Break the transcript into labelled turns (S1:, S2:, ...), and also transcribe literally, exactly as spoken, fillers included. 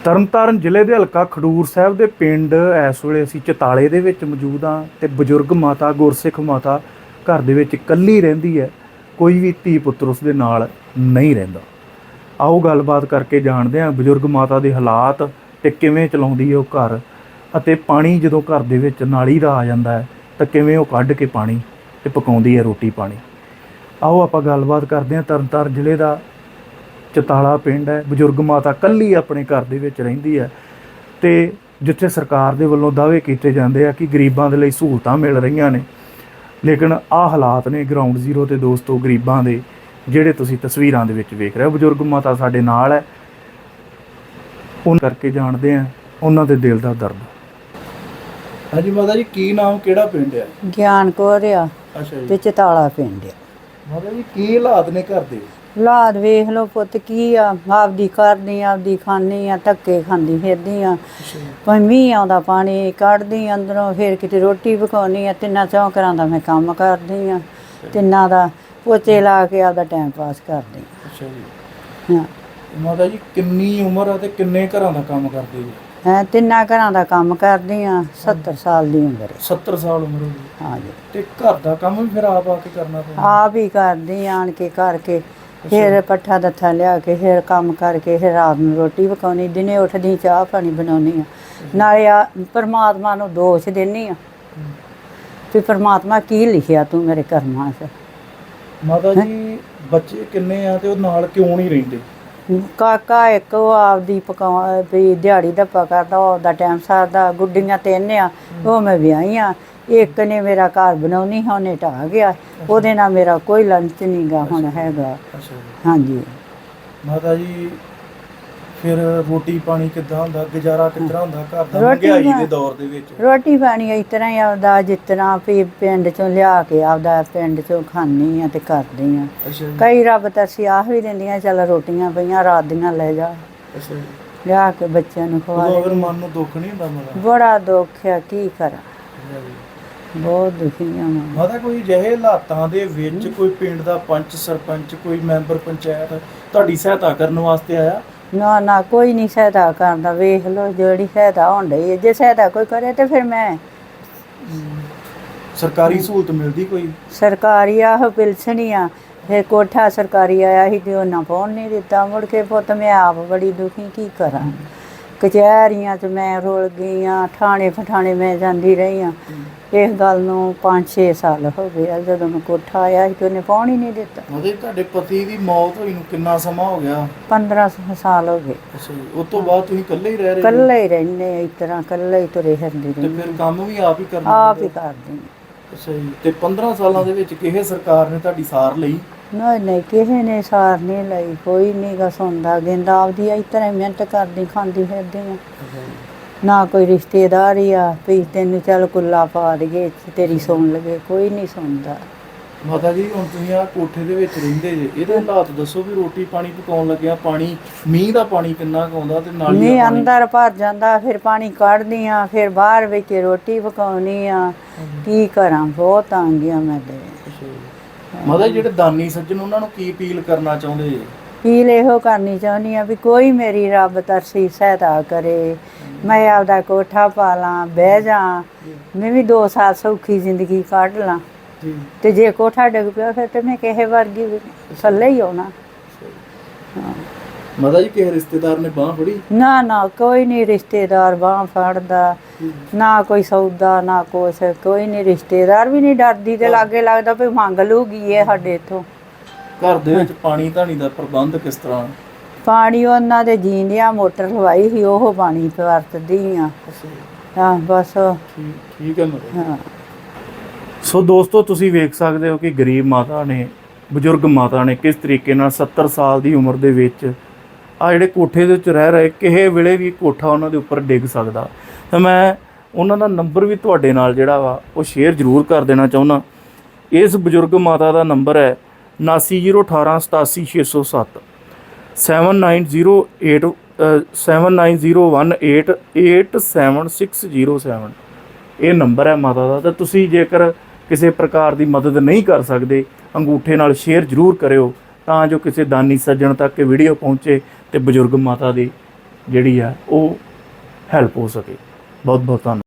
S1: ਤਰਨਤਾਰਨ ਜ਼ਿਲ੍ਹੇ ਦੇ ਹਲਕਾ ਖਡੂਰ ਸਾਹਿਬ ਦੇ ਪਿੰਡ ਇਸ ਵੇਲੇ ਅਸੀਂ ਚਤਾਲੇ ਦੇ ਵਿੱਚ ਮੌਜੂਦ ਹਾਂ ਤੇ ਬਜ਼ੁਰਗ ਮਾਤਾ ਗੁਰਸਿੱਖ ਮਾਤਾ ਘਰ ਦੇ ਵਿੱਚ ਇਕੱਲੀ ਰਹਿੰਦੀ ਹੈ। ਕੋਈ ਵੀ ਧੀ ਪੁੱਤਰ ਉਸ ਦੇ ਨਾਲ ਨਹੀਂ ਰਹਿੰਦਾ। ਆਓ ਗੱਲਬਾਤ ਕਰਕੇ ਜਾਣਦੇ ਹਾਂ ਬਜ਼ੁਰਗ ਮਾਤਾ ਦੇ ਹਾਲਾਤ ਤੇ ਕਿਵੇਂ ਚਲਾਉਂਦੀ ਹੈ ਉਹ ਘਰ, ਅਤੇ ਪਾਣੀ ਜਦੋਂ ਘਰ ਦੇ ਵਿੱਚ ਨਾਲੀ ਦਾ ਆ ਜਾਂਦਾ ਹੈ ਤਾਂ ਕਿਵੇਂ ਉਹ ਕੱਢ ਕੇ ਪਾਣੀ ਤੇ ਪਕਾਉਂਦੀ ਹੈ ਰੋਟੀ ਪਾਣੀ। ਆਓ ਆਪਾਂ ਗੱਲਬਾਤ ਕਰਦੇ ਹਾਂ। ਤਰਨਤਾਰਨ ਜ਼ਿਲ੍ਹੇ ਦਾ ਚਤਾਲਾ ਪਿੰਡ ਹੈ। ਬਜ਼ੁਰਗ ਮਾਤਾ ਇਕੱਲੀ ਆਪਣੇ ਘਰ ਦੇ ਵਿੱਚ ਰਹਿੰਦੀ ਹੈ ਤੇ ਜਿੱਥੇ ਸਰਕਾਰ ਦੇ ਵੱਲੋਂ ਦਾਅਵੇ ਕੀਤੇ ਜਾਂਦੇ ਆ ਕਿ ਗਰੀਬਾਂ ਦੇ ਲਈ ਸਹੂਲਤਾਂ ਮਿਲ ਰਹੀਆਂ ਨੇ, ਲੇਕਿਨ ਆਹ ਹਾਲਾਤ ਨੇ ਗਰਾਊਂਡ ਜ਼ੀਰੋ ਤੇ ਦੋਸਤੋ ਗਰੀਬਾਂ ਦੇ, ਜਿਹੜੇ ਤੁਸੀਂ ਤਸਵੀਰਾਂ ਦੇ ਵਿੱਚ ਵੇਖ ਰਹੇ ਹੋ। ਬਜ਼ੁਰਗ ਮਾਤਾ ਸਾਡੇ ਨਾਲ ਹੈ, ਉਹਨਾਂ ਕਰਕੇ ਜਾਣਦੇ ਆ ਉਹਨਾਂ ਦੇ ਦਿਲ ਦਾ ਦਰਦ। ਹਾਂਜੀ ਮਾਤਾ ਜੀ, ਕੀ ਨਾਮ, ਕਿਹੜਾ ਪਿੰਡ ਹੈ?
S2: ਗਿਆਨ ਕੌਰ ਆ
S1: ਅੱਛਾ ਜੀ।
S2: ਤੇ ਚਤਾਲਾ ਪਿੰਡ ਆ।
S1: ਮਾਤਾ ਜੀ ਕੀ ਹਾਲਾਤ ਨੇ ਘਰ ਦੇ?
S2: ਹਾਲਾਤ ਵੇਖ ਲਓ ਪੁੱਤ, ਕੀ ਆ, ਆਪਦੀ ਕਰਦੀ ਆਪਦੀ ਖਾਂਦੀ ਆ, ਧੱਕੇ ਖਾਂਦੀ ਫਿਰਦੀ ਆ। ਭਾਵੇਂ ਮੀਂਹ ਆਉਂਦਾ ਪਾਣੀ ਕੱਢਦੀ ਅੰਦਰੋਂ, ਫਿਰ ਕਿਤੇ ਰੋਟੀ ਪਕਾਉਣੀ ਆ। ਤਿੰਨਾਂ ਚੌਂ ਘਰਾਂ ਦਾ ਮੈਂ ਕੰਮ ਕਰਦੀ ਆ, ਤਿੰਨਾਂ ਦਾ ਪੋਚੇ ਲਾ ਕੇ ਆਪਦਾ ਟਾਈਮ ਪਾਸ ਕਰਦੀ ਆ।
S1: ਅੱਛਾ ਜੀ।
S2: ਹਾਂ
S1: ਮਾਤਾ ਜੀ ਕਿੰਨੀ ਉਮਰ ਆ ਤੇ ਕਿੰਨੇ ਘਰਾਂ ਦਾ ਕੰਮ ਕਰਦੇ ਜੀ?
S2: ਹੈਂ ਤਿੰਨਾਂ ਘਰਾਂ ਦਾ ਕੰਮ ਕਰਦੀ ਆ। ਸੱਤਰ ਸਾਲ ਦੀ ਉਮਰ ਹੈ।
S1: ਸੱਤਰ ਸਾਲ ਉਮਰ ਹੋ ਗਈ।
S2: ਹਾਂ ਜੀ।
S1: ਤੇ ਘਰ ਦਾ ਕੰਮ ਵੀ ਫਿਰ ਆਪ ਆ ਕੇ ਕਰਨਾ ਪੈਂਦਾ?
S2: ਆਪ ਹੀ ਕਰਦੀ ਆਣ ਕੇ ਕਰਕੇ, ਫਿਰ ਪੱਠਾ ਦੱਥਾ ਲਿਆ ਕੇ, ਫਿਰ ਕੰਮ ਕਰਕੇ, ਫਿਰ ਰਾਤ ਨੂੰ ਰੋਟੀ ਪਕਾਉਣੀ, ਦਿਨੇ ਉੱਠਦੀ ਚਾਹ ਪਾਣੀ ਬਣਾਉਣੀ ਆ। ਨਾਲੇ ਆ ਪਰਮਾਤਮਾ ਨੂੰ ਦੋਸ਼ ਦਿੰਦੀ ਆ ਵੀ ਪਰਮਾਤਮਾ ਕੀ ਲਿਖਿਆ ਤੂੰ ਮੇਰੇ ਕਰਮਾਂ 'ਚ।
S1: ਮਾਤਾ ਜੀ ਬੱਚੇ ਕਿੰਨੇ ਆ ਤੇ ਉਹ ਨਾਲ ਕਿਉਂ ਨਹੀਂ ਰਹਿੰਦੇ?
S2: ਕਾਕਾ ਇੱਕ, ਉਹ ਆਪਦੀ ਪਕਾ ਵੀ ਦਿਹਾੜੀ ਧੱਪਾ ਕਰਦਾ, ਉਹਦਾ ਟਾਈਮ ਸਰਦਾ। ਗੁੱਡੀਆਂ ਤਿੰਨ ਆ, ਉਹ ਮੈਂ ਵਿਆਹੀ ਆ। ਇੱਕ ਨੇ ਮੇਰਾ ਘਰ ਬਣਾਉਣੀ, ਉਹਨੇ ਢਾਹ ਗਿਆ, ਉਹਦੇ ਨਾਲ ਮੇਰਾ ਕੋਈ ਲੰਚ ਨਹੀਂ ਗਾ ਹੁਣ ਹੈਗਾ। ਹਾਂਜੀ। ਮਾਤਾ
S1: ਜੀ ਫਿਰ ਰੋਟੀ ਪਾਣੀ ਕਿੱਦਾਂ ਹੁੰਦਾ, ਗੁਜ਼ਾਰਾ ਕਿਸ ਤਰ੍ਹਾਂ ਹੁੰਦਾ ਘਰ ਦਾ ਮਹਿੰਗਾਈ ਦੇ ਦੌਰ ਦੇ ਵਿੱਚ?
S2: ਰੋਟੀ ਪਾਣੀ ਇਸ ਤਰ੍ਹਾਂ ਹੀ ਆਪਦਾ, ਜਿਸ ਤਰ੍ਹਾਂ ਵੀ ਪਿੰਡ ਚੋਂ ਲਿਆ ਕੇ ਆਪਦਾ ਪਿੰਡ ਚੋਂ ਖਾਂਦੀ ਆ ਤੇ ਕਰਦੀ ਆ। ਕਈ ਰੱਬ ਤਰਸੀ ਆਹ ਵੀ ਦਿੰਦੀਆਂ, ਚੱਲ ਰੋਟੀਆਂ ਪਈਆਂ ਰਾਤ ਦੀਆਂ ਲੈ ਜਾ, ਲਿਆ ਕੇ ਬੱਚਿਆਂ ਨੂੰ ਖਵਾ ਦੇ।
S1: ਮਨ ਨੂੰ ਦੁੱਖ ਨਹੀਂ ਹੁੰਦਾ?
S2: ਬੜਾ ਦੁੱਖ ਆ, ਕੀ ਕਰਾਂ, ਬਹੁਤ ਦੁਖੀ ਆ ਮੈਂ।
S1: ਮਾਤਾ ਕੋਈ ਜਿਹੇ ਹਾਲਾਤਾਂ ਦੇ ਵਿੱਚ ਕੋਈ ਪਿੰਡ ਦਾ ਪੰਚ ਸਰਪੰਚ, ਕੋਈ ਮੈਂਬਰ ਪੰਚਾਇਤ ਤੁਹਾਡੀ ਸਹਾਇਤਾ ਕਰਨ ਵਾਸਤੇ ਆਇਆ?
S2: ਨਾ ਨਾ, ਕੋਈ ਨਹੀਂ ਸਹਾਇਤਾ ਕਰਦਾ। ਵੇਖ ਲਓ ਜਿਹੜੀ ਸਹਾਇਤਾ ਹੋਣ ਡਈ ਹੈ, ਜੇ ਸਹਾਇਤਾ ਕੋਈ ਕਰੇ ਤੇ ਫਿਰ ਮੈਂ।
S1: ਸਰਕਾਰੀ ਸਹੂਲਤ ਮਿਲਦੀ ਕੋਈ? ਸਰਕਾਰੀ
S2: ਆਹੋ ਪਿਲਸਣ ਹੀ ਆ। ਫਿਰ ਕੋਠਾ ਸਰਕਾਰੀ ਆਇਆ ਸੀ ਤੇ ਉਹਨਾਂ ਪਾਉਣ ਨਹੀਂ ਦਿੱਤਾ। ਮੁੜ ਕੇ ਪੁੱਤ ਮੈਂ ਆਪ ਬੜੀ ਦੁਖੀ, ਕੀ ਕਰਾਂ। ਕਚਹਿਰੀਆਂ 'ਚ ਮੈਂ ਰੁਲ ਗਈ ਹਾਂ, ਥਾਣੇ ਫਠਾਣੇ ਮੈਂ ਜਾਂਦੀ ਰਹੀ ਹਾਂ। ਇਸ ਗੱਲ ਨੂੰ ਪੰਜ ਛੇ ਸਾਲ ਹੋ ਗਏ ਆ। ਜਦੋਂ ਮੈਂ ਕੋਠਾ ਆਇਆ ਸੀ ਤੇ ਉਹਨੇ ਪਾਉਣ ਹੀ ਨਹੀਂ ਦਿੱਤਾ।
S1: ਮਤਲਬ ਤੁਹਾਡੇ ਪਤੀ ਦੀ ਮੌਤ ਹੋਈ ਨੂੰ ਕਿੰਨਾ ਸਮਾਂ ਹੋ ਗਿਆ?
S2: ਪੰਦਰਾਂ ਸਾਲ ਹੋ ਗਏ।
S1: ਅੱਛਾ ਜੀ। ਉਸ ਤੋਂ ਬਾਅਦ ਤੁਸੀਂ ਇਕੱਲੇ ਹੀ ਰਹਿ ਰਹੇ?
S2: ਇਕੱਲੇ ਹੀ ਰਹਿੰਦੇ, ਇਸ ਤਰ੍ਹਾਂ ਇਕੱਲੇ ਹੀ ਤੁਰੇ ਫਿਰਦੇ
S1: ਤੇ ਫਿਰ ਕੰਮ ਵੀ ਆਪ ਹੀ ਕਰਨਾ?
S2: ਆਪ ਹੀ ਕਰਦੇ।
S1: ਅੱਛਾ ਜੀ। ਤੇ ਪੰਦਰਾਂ ਸਾਲਾਂ ਦੇ ਵਿੱਚ ਕਿਸੇ ਸਰਕਾਰ ਨੇ ਤੁਹਾਡੀ ਸਾਰ ਲਈ?
S2: ਨਹੀਂ ਨਹੀਂ, ਕਿਸੇ ਨੇ ਸਾਰ ਨਹੀਂ ਲਈ, ਕੋਈ ਨਹੀਂ ਗਾ ਸੁਣਦਾ ਗਿੰਦਾ। ਆਪਦੀ ਇਸ ਤਰ੍ਹਾਂ ਮਿਹਨਤ ਕਰਦੀ ਖਾਂਦੀ ਫਿਰਦੀ ਆ। ਨਾ ਕੋਈ ਰਿਸ਼ਤੇਦਾਰ ਹੀ ਆ ਵੀ ਤੈਨੂੰ ਚੱਲ ਕੁੱਲਾ ਪਾ ਦੇਈਏ, ਤੇਰੀ ਸੁਣ ਲਵੇ, ਕੋਈ ਨਹੀਂ ਸੁਣਦਾ।
S1: ਮਾਤਾ ਜੀ ਹੁਣ ਤੁਸੀਂ ਆਹ ਕੋਠੇ ਦੇ ਵਿੱਚ ਰਹਿੰਦੇ ਜੇ, ਇਹਦੇ ਹਾਲਾਤ ਦੱਸੋ ਵੀ ਰੋਟੀ ਪਾਣੀ ਪਕਾਉਣ ਲੱਗਿਆ, ਪਾਣੀ ਮੀਂਹ ਦਾ ਪਾਣੀ ਕਿੰਨਾ ਕੁ ਆਉਂਦਾ ਤੇ ਨਾਲੀ ਦਾ?
S2: ਮੀਂਹ ਅੰਦਰ ਭਰ ਜਾਂਦਾ, ਫਿਰ ਪਾਣੀ ਕੱਢਦੀ ਆ, ਫਿਰ ਬਾਹਰ ਵਿੱਚ ਰੋਟੀ ਪਕਾਉਣੀ ਆ। ਕੀ ਕਰਾਂ, ਬਹੁਤ ਤੰਗ ਆ ਮੈਂ ਤੇ।
S1: ਮਾਤਾ ਜਿਹੜੇ ਦਾਨੀ ਸੱਜਣ, ਉਹਨਾਂ ਨੂੰ ਕੀ ਅਪੀਲ ਕਰਨਾ ਚਾਹੁੰਦੇ ਜੇ?
S2: ਅਪੀਲ ਇਹੋ ਕਰਨੀ ਚਾਹੁੰਦੀ ਆ ਵੀ ਕੋਈ ਮੇਰੀ ਰੱਬ ਤਰਸੀ ਸਹਾਇਤਾ ਕਰੇ, ਮੈਂ ਆਪਦਾ ਕੋਠਾ ਪਾ ਲਾਂ, ਬਹਿ ਜਾ, ਮੈਂ ਵੀ ਦੋ ਸਾਲ ਸੌਖੀ ਜ਼ਿੰਦਗੀ ਕੱਢ ਲਾਂ। ਤੇ ਜੇ ਕੋਠਾ ਡਿੱਗ ਪਿਆ ਫਿਰ ਤੇ ਮੈਂ ਕਿਸੇ ਵਰਗੀ ਥੱਲੇ ਹੀ ਆਉਣਾ।
S1: ਮਾਤਾ ਜੀ ਕਿਸੇ ਰਿਸ਼ਤੇਦਾਰ ਨੇ ਬਾਂਹ ਫੜੀ? ਨਾ
S2: ਨਾ, ਕੋਈ ਨਹੀਂ ਰਿਸ਼ਤੇਦਾਰ ਬਾਂਹ ਫੜਦਾ, ਨਾ ਕੋਈ ਸੌਦਾ, ਨਾ ਕੁਛ, ਕੋਈ ਨਹੀਂ। ਰਿਸ਼ਤੇਦਾਰ ਵੀ ਨਹੀਂ ਡਰਦੀ ਤੇ ਲਾਗੇ ਲੱਗਦਾ ਵੀ ਮੰਗ ਲੂਗੀ ਇਹ ਸਾਡੇ ਇੱਥੋਂ।
S1: ਘਰ ਦੇ ਵਿੱਚ ਪਾਣੀ ਧਾਣੀ ਦਾ ਪ੍ਰਬੰਧ ਕਿਸ ਤਰ੍ਹਾਂ?
S2: ਪਾਣੀ ਉਹਨਾਂ ਦੇ ਜੀਂਦਿਆਂ ਮੋਟਰ ਲਵਾਈ ਸੀ, ਉਹ ਪਾਣੀ ਵਰਤਦੀ ਆ। ਹਾਂ ਬਸ
S1: ਠੀਕ ਹੈ। ਹਾਂ। ਸੋ ਦੋਸਤੋ ਤੁਸੀਂ ਵੇਖ ਸਕਦੇ ਹੋ ਕਿ ਗਰੀਬ ਮਾਤਾ ਨੇ, ਬਜ਼ੁਰਗ ਮਾਤਾ ਨੇ ਕਿਸ ਤਰੀਕੇ ਨਾਲ ਸੱਤਰ ਸਾਲ ਦੀ ਉਮਰ ਦੇ ਵਿੱਚ ਆ ਜਿਹੜੇ ਕੋਠੇ ਦੇ ਵਿੱਚ ਰਹਿ ਰਹੇ, ਕਿਸੇ ਵੇਲੇ ਵੀ ਕੋਠਾ ਉਹਨਾਂ ਦੇ ਉੱਪਰ ਡਿੱਗ ਸਕਦਾ। ਤਾਂ ਮੈਂ ਉਹਨਾਂ ਦਾ ਨੰਬਰ ਵੀ ਤੁਹਾਡੇ ਨਾਲ ਜਿਹੜਾ ਵਾ ਉਹ ਸ਼ੇਅਰ ਜ਼ਰੂਰ ਕਰ ਦੇਣਾ ਚਾਹੁੰਦਾ। ਇਸ ਬਜ਼ੁਰਗ ਮਾਤਾ ਦਾ ਨੰਬਰ ਹੈ ਉਨਾਸੀ ਜ਼ੀਰੋ ਅਠਾਰਾਂ ਸਤਾਸੀ ਛੇ ਸੌ ਸੱਤ, seven nine zero eight seven nine zero one eight eight seven six zero seven. ਇਹ ਨੰਬਰ ਹੈ ਮਾਤਾ ਦਾ। ਤਾਂ ਤੁਸੀਂ ਜੇਕਰ ਕਿਸੇ ਪ੍ਰਕਾਰ ਦੀ ਮਦਦ ਨਹੀਂ ਕਰ ਸਕਦੇ, ਅੰਗੂਠੇ ਨਾਲ ਸ਼ੇਅਰ ਜ਼ਰੂਰ ਕਰਿਓ ਤਾਂ ਜੋ ਕਿਸੇ ਦਾਨੀ ਸੱਜਣ ਤੱਕ ਇਹ ਵੀਡੀਓ ਪਹੁੰਚੇ ਤੇ ਬਜ਼ੁਰਗ ਮਾਤਾ ਦੀ ਜਿਹੜੀ ਆ ਉਹ ਹੈਲਪ ਹੋ ਸਕੇ। ਬਹੁਤ ਬਹੁਤ ਧੰਨਵਾਦ।